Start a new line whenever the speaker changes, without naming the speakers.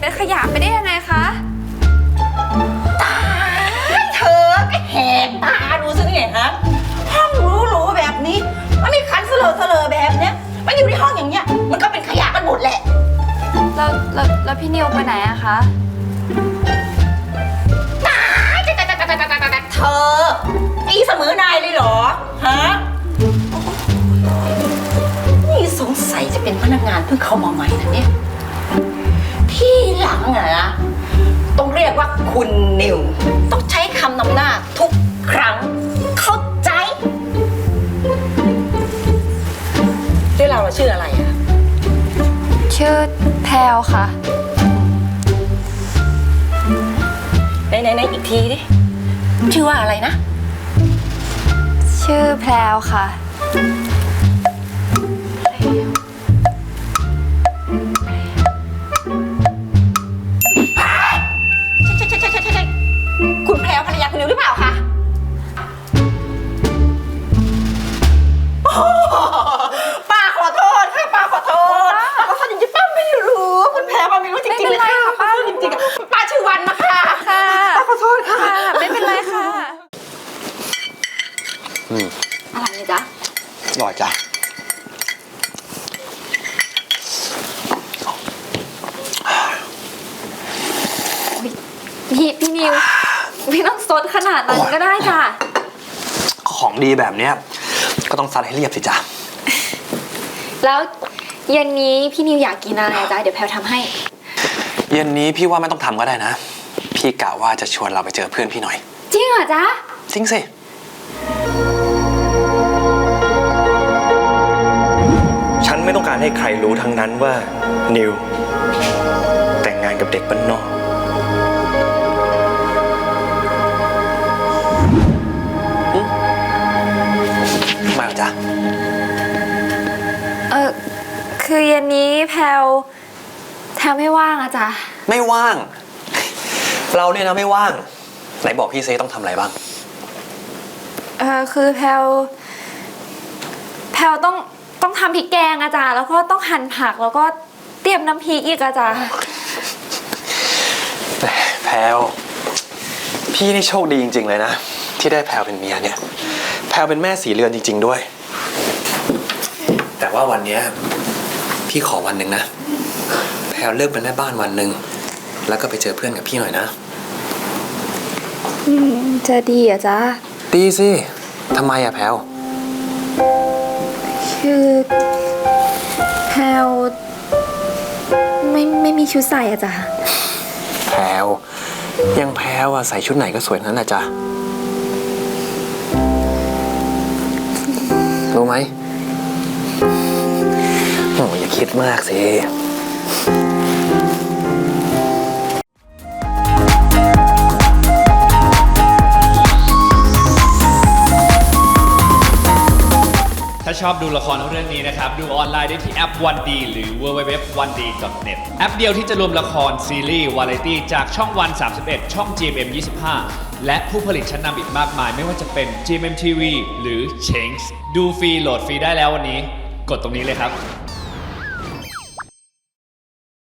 เป็นขยะไปได้ยังไงคะ
ตายเธอก็แหกตาดูสิเนี่ยฮะห้องหรูๆแบบนี้มันมีคันเสลอแบบเนี้ยมันอยู่ในห้องอย่างเงี้ยมันก็เป็นขยะกันหมดแหละ
แล้วพี่นิวไปไหนอะคะ
ตายเธออีเสมอนายเลยเหรอฮะนี่สงสัยจะเป็นพนักงานเพิ่งเข้ามาใหม่นะเนี่ยที่หลังอะนะต้องเรียกว่าคุณนิวต้องใช้คำนำหน้าทุกครั้งเข้าใจเรื่องเราชื่ออะไรอะ
ชื่อแพลวค่ะ
ไหนอีกทีดิชื่อว่าอะไรนะ
ชื่อแพลวค่ะ
ใช่คุณแพรวภรรยาคุณนิวหรือเปล่าคะป้าขอโทษค่ะป้าขอโทษจริงๆป้าไม่รู้คุณแพรวป้าไม่รู้จริงๆเลยค่ะป้าจริงๆป้าชื่อวันนะคะ
ค่ะ
ป้าขอโทษค่ะ
ไม่เป็นไรค่ะอะไรจ๊ะ
อร่อยจ้ะ
พี่นิวไม่ต้องซดขนาดนั้นก็ได้จ้ะ
ของดีแบบเนี้ยก็ต้องซัดให้เรียบสิจ้ะ
แล้วเย็นนี้พี่นิวอยากกินอะไรจ๊ะเดี๋ยวแพลวทำให้
เย็นนี้พี่ว่าไม่ต้องทำก็ได้นะพี่กะว่าจะชวนเราไปเจอเพื่อนพี่หน่อย
จริงเหรอจ๊ะ
จริงสิ
ฉันไม่ต้องการให้ใครรู้ทั้งนั้นว่านิวแต่งงานกับเด็กบ้านนอก
มาเหรอจ๊ะ
คือเย็นนี้แพลวไม่ว่างอะจ๊ะ
ไม่ว่างเราเนี่ยนะไม่ว่างไหนบอกพี่เซต้องทำอะไรบ้าง
คือแพลวต้องทำพริกแกงอะจ๊ะแล้วก็ต้องหั่นผักแล้วก็เตรียมน้ำพริกอีกอะจ๊ะ
แพลวพี่นี่โชคดีจริงๆเลยนะที่ได้แพลวเป็นเมียเนี่ยแพลวเป็นแม่สีเรือนจริงๆด้วยแต่ว่าวันนี้พี่ขอวันหนึ่งนะแพลวเลิกเป็นแม่บ้านวันหนึ่งแล้วก็ไปเจอเพื่อนกับพี่หน่อยนะ
จะดีอะจ๊ะ
ดีสิทำไมอะแพลว
คือแพลวไม่มีชุดใส่อะจ๊ะ
แพลวยังแพลวอะใส่ชุดไหนก็สวยนั้นแหละจ๊ะรู้ไหมโอ้ยอย่าคิดมากสิ
ถ้าชอบดูละครเรื่องนี้นะครับดูออนไลน์ได้ที่แอป 1D หรือ www.1d.net แอปเดียวที่จะรวมละครซีรีส์วาไรตี้จากช่องวัน31ช่อง GMM 25และผู้ผลิตชั้นนำอีกมากมายไม่ว่าจะเป็น GMM TV หรือ Change ดูฟรีโหลดฟรีได้แล้ววันนี้กดตรงนี้เลยครับ